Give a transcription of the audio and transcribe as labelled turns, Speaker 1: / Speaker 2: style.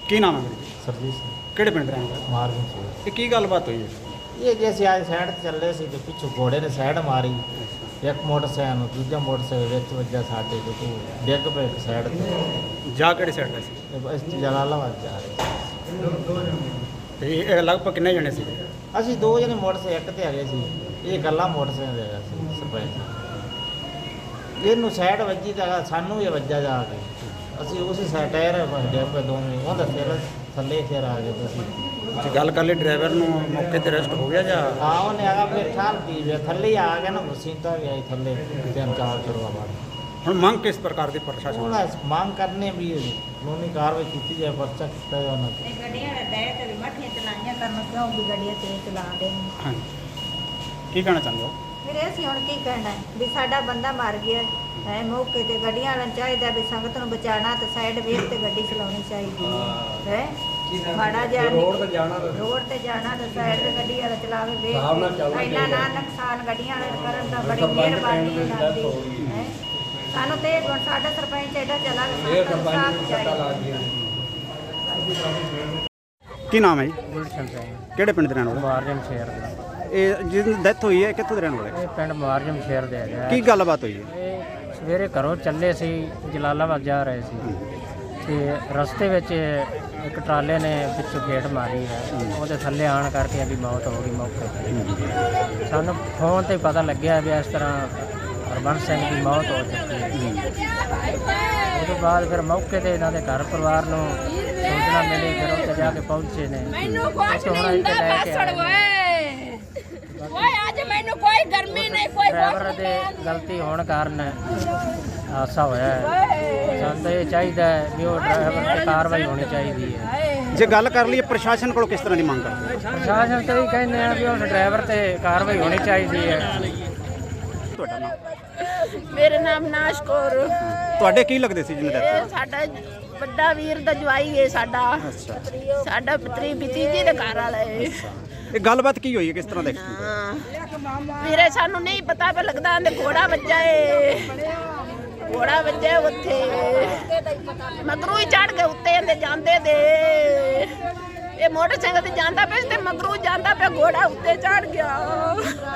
Speaker 1: ਕੀ ਨਾਮ ਹੈ ਵੀਰੇ?
Speaker 2: ਸਰਜੀਤ ਸਿੰਘ
Speaker 1: ਕਿਹੜੇ ਪਿੰਡ ਰਹਿਣ ਵਾਲੇ?
Speaker 2: ਮਾਰਵਿੰਗ ਸੀ।
Speaker 1: ਇਹ ਕੀ ਗੱਲਬਾਤ ਹੋਈ ਹੈ?
Speaker 2: ਇਹ ਜੇ ਅਸੀਂ ਅੱਜ ਸਾਈਡ ਤੇ ਚੱਲੇ ਸੀ ਤੇ ਪਿੱਛੋਂ ਘੋੜੇ ਨੇ ਸਾਈਡ ਮਾਰੀ, ਇੱਕ ਮੋਟਰਸਾਈਕਲ ਨੂੰ ਦੂਜਾ ਮੋਟਰਸਾਈਕਲ ਵਿੱਚ ਵੱਜਾ ਸਾਡੇ ਤੇ ਤੂੰ ਡਿੱਗ ਪਏ ਇੱਕ ਸਾਈਡ ਤੇ।
Speaker 1: ਜਾ ਕਿਹੜੇ ਸਾਈਡ ਤੇ ਸੀ?
Speaker 2: ਤੇ ਬਸ ਜਲਾਲਾਬਾਦ ਜਾ ਰਹੇ
Speaker 1: ਤੇ ਇਹ ਲਗਭਗ ਕਿੰਨੇ ਜਣੇ ਸੀ?
Speaker 2: ਸੀ। ਅਸੀਂ ਦੋ ਜਣੇ ਮੋਟਰਸਾਈਕਲ ਇੱਕ ਤੇ ਹੈਗੇ ਸੀ, ਇਹ ਗੱਲਾਂ ਮੋਟਰਸਾਈਕਲ ਤੇ ਹੈਗਾ ਸੀ ਸਰਪੰਚ। ਇਹਨੂੰ ਸਾਈਡ ਵੱਜੀ ਤਾਂ ਸਾਨੂੰ ਵੀ ਵੱਜਾ ਜਾ ਕੇ, ਅਸੀਂ ਉਸੇ ਸਾਈਡ ਟਾਇਰ ਡਿੱਗ ਪਏ ਦੋਵੇਂ, ਉਹਦਾ ਫਿਰ ਥੱਲੇ ਫਿਰ ਆ ਗਏ ਤੁਸੀਂ।
Speaker 1: ਜੇ ਗੱਲ ਕਰ ਲਈ ਡਰਾਈਵਰ ਨੂੰ ਮੌਕੇ ਤੇ ਅਰੈਸਟ ਹੋ ਗਿਆ ਜਾਂ?
Speaker 2: ਹਾਂ ਉਹਨੇ ਆਗਾ ਫਿਰ ਠਾਲ ਪੀ ਗਿਆ, ਥੱਲੇ ਹੀ ਆ ਗਿਆ ਨਾ, ਸੀਤਾ ਵੀ ਆਈ ਥੱਲੇ, ਤਿੰਨ ਚਾਰ ਕਰਵਾ ਬਾਅਦ।
Speaker 1: ਹੁਣ ਮੰਗ ਕਿਸ ਪ੍ਰਕਾਰ ਦੀ ਪ੍ਰਸ਼ਾਸਨ?
Speaker 2: ਉਹਨਾਂ ਮੰਗ ਕਰਨੇ ਵੀ ਕਾਨੂੰਨੀ ਕਾਰਵਾਈ ਕੀਤੀ ਜਾਏ, ਪਰਚਾ ਕੀਤਾ ਜਾਏ ਉਹਨਾਂ ਤੇ।
Speaker 3: ਗੱਡੀਆਂ ਦੇ ਬੈਠ ਤੇ ਮੱਠੀਆਂ ਚਲਾਈਆਂ ਕਰਨ, ਕਿਉਂ ਵੀ ਗੱਡੀਆਂ ਤੇ ਚਲਾ ਦੇ।
Speaker 1: ਹਾਂਜੀ, ਕੀ ਕਹਿਣਾ ਚਾਹੁੰਦੇ ਹੋ?
Speaker 3: ਵੀਰੇ ਅਸੀਂ ਹੁਣ ਕੀ ਕਹਿਣਾ ਹੈ ਵੀ ਸਾਡਾ ਬੰਦਾ ਮਰ ਗਿਆ ਹੈ ਮੌਕੇ ਤੇ। ਗੱਡੀਆਂ ਵਾਲਿਆਂ ਨੂੰ ਚਾਹੀਦਾ ਵੀ ਸੰਗਤ ਨੂੰ ਬਚਾਉਣਾ ਤੇ ਸਾਈਡ ਵੇਖ ਤੇ ਗੱਡੀ ਚਲਾਉਣੀ ਚਾਹੀਦੀ ਹੈ। ਮਾੜਾ ਜਿਹਾ ਰੋਡ ਤੇ ਜਾਣਾ ਤੇ ਸਾਈਡ ਤੇ ਗੱਡੀ ਵਾਲਾ ਚਲਾਵੇ ਵੇਖ, ਇੰਨਾ ਨਾ ਨੁਕਸਾਨ ਗੱਡੀਆਂ ਵਾਲੇ ਕਰਨ ਦਾ ਬੜੀ ਮਿਹਰਬਾਨੀ ਇਹਨਾਂ ਦੀ ਹੈ। ਸਾਨੂੰ ਤੇ ਹੁਣ ਸਾਡਾ ਸਰਪੰਚ ਐਡਾ ਚਲਾ
Speaker 1: ਕੀ ਨਾਮ ਹੈ ਜੀ?
Speaker 2: ਗੁਲਸ਼ਨ ਸਿੰਘ
Speaker 1: ਕਿਹੜੇ ਪਿੰਡ ਦੇ ਰਹਿਣ ਵਾਲੇ?
Speaker 2: ਮੁਆਰਜਮ ਸ਼ਹਿਰ ਦੇ।
Speaker 1: ਇਹ ਜਿਹਦੀ ਡੈਥ ਹੋਈ ਹੈ ਕਿੱਥੋਂ ਦੇ ਰਹਿਣ ਵਾਲੇ?
Speaker 2: ਇਹ ਪਿੰਡ ਮੁਆਰਜਮ ਸ਼ਹਿਰ ਦੇ ਹੈਗਾ।
Speaker 1: ਕੀ ਗੱਲਬਾਤ ਹੋਈ ਹੈ?
Speaker 2: ਇਹ ਸਵੇਰੇ ਘਰੋਂ ਚੱਲੇ ਸੀ, ਜਲਾਲਾਬਾਦ ਜਾ ਰਹੇ ਸੀ ਤੇ ਰਸਤੇ ਵਿੱਚ ਇੱਕ ਟਰਾਲੇ ਨੇ ਪਿੱਛੋਂ ਗੇਟ ਮਾਰੀ ਹੈ, ਉਹਦੇ ਥੱਲੇ ਆਣ ਕਰਕੇ ਇਹਦੀ ਮੌਤ ਹੋ ਗਈ ਮੌਕੇ ਤੇ। ਸਾਨੂੰ ਫੋਨ ਤੇ ਪਤਾ ਲੱਗਿਆ ਵੀ ਇਸ ਤਰ੍ਹਾਂ ਹਰਬੰਸ ਸਿੰਘ ਦੀ ਮੌਤ ਹੋ ਚੁੱਕੀ ਹੈ। ਉਹਦੇ ਬਾਅਦ ਫਿਰ ਮੌਕੇ ਤੇ ਇਹਨਾਂ ਦੇ ਘਰ ਪਰਿਵਾਰ ਨੂੰ ਸੂਚਨਾ ਮਿਲੀ, ਫਿਰ ਉੱਥੇ ਜਾ ਕੇ ਪਹੁੰਚੇ ਨੇ।
Speaker 4: ਮੈਨੂੰ ਕੁਛ ਨਹੀਂ ਹੁੰਦਾ ਬਸੜ ਓਏ ਅੱਜ ਮੈਨੂੰ ਕੋਈ ਗਰਮੀ ਨਹੀਂ, ਕੋਈ
Speaker 2: ਡਰਾਈਵਰ ਦੇ ਗਲਤੀ ਹੋਣ ਕਾਰਨ ਹਾਦਸਾ ਹੋਇਆ ਹੈ। ਸਾਨੂੰ ਤਾਂ ਇਹ ਚਾਹੀਦਾ ਹੈ ਵੀ ਉਹ ਡਰਾਈਵਰ ਤੇ ਕਾਰਵਾਈ ਹੋਣੀ ਚਾਹੀਦੀ ਹੈ।
Speaker 1: ਜੇ ਗੱਲ ਕਰ ਲਈਏ ਪ੍ਰਸ਼ਾਸਨ ਕੋਲ ਕਿਸ ਤਰ੍ਹਾਂ ਦੀ ਮੰਗ ਕਰਦੇ?
Speaker 2: ਪ੍ਰਸ਼ਾਸਨ ਤੇ ਇਹ ਕਹਿੰਦੇ ਆ ਵੀ ਉਸ ਡਰਾਈਵਰ ਤੇ ਕਾਰਵਾਈ ਹੋਣੀ ਚਾਹੀਦੀ ਹੈ।
Speaker 1: ਤੁਹਾਡਾ ਨਾਮ?
Speaker 4: ਮੇਰੇ ਨਾਮ ਨਾਸ਼ ਕੌਰ।
Speaker 1: ਤੁਹਾਡੇ ਕੀ ਲੱਗਦੇ ਸੀ ਜਿਹਨੇ
Speaker 4: ਇਹ
Speaker 1: ਡੈਥ?
Speaker 4: ਸਾਡਾ ਵੱਡਾ ਵੀਰ ਦਾ ਜਵਾਈ ਹੈ, ਸਾਡਾ ਸਾਡਾ ਪਤਰੀ ਭਤੀਜੀ ਦੇ ਘਰ ਵਾਲਾ ਹੈ।
Speaker 1: ਇਹ ਗੱਲਬਾਤ ਕੀ ਹੋਈ ਹੈ, ਕਿਸ ਤਰ੍ਹਾਂ ਦੇਖੀ?
Speaker 4: ਵੀਰੇ ਸਾਨੂੰ ਨਹੀਂ ਪਤਾ ਪਾ ਲੱਗਦਾ, ਤੇ ਘੋੜਾ ਵੱਜਾ ਏ, ਘੋੜਾ ਵੱਜਾ ਉੱਥੇ ਮਗਰੂ ਹੀ ਚੜ ਕੇ ਉੱਤੇ ਇਹਦੇ ਜਾਂਦੇ ਦੇ। ਇਹ ਮੋਟਰਸਾਈਕਲ ਤੇ ਜਾਂਦਾ ਪਿਆ ਤੇ ਮਗਰੂ ਜਾਂਦਾ ਪਿਆ, ਘੋੜਾ ਉੱਤੇ ਚੜ ਗਿਆ।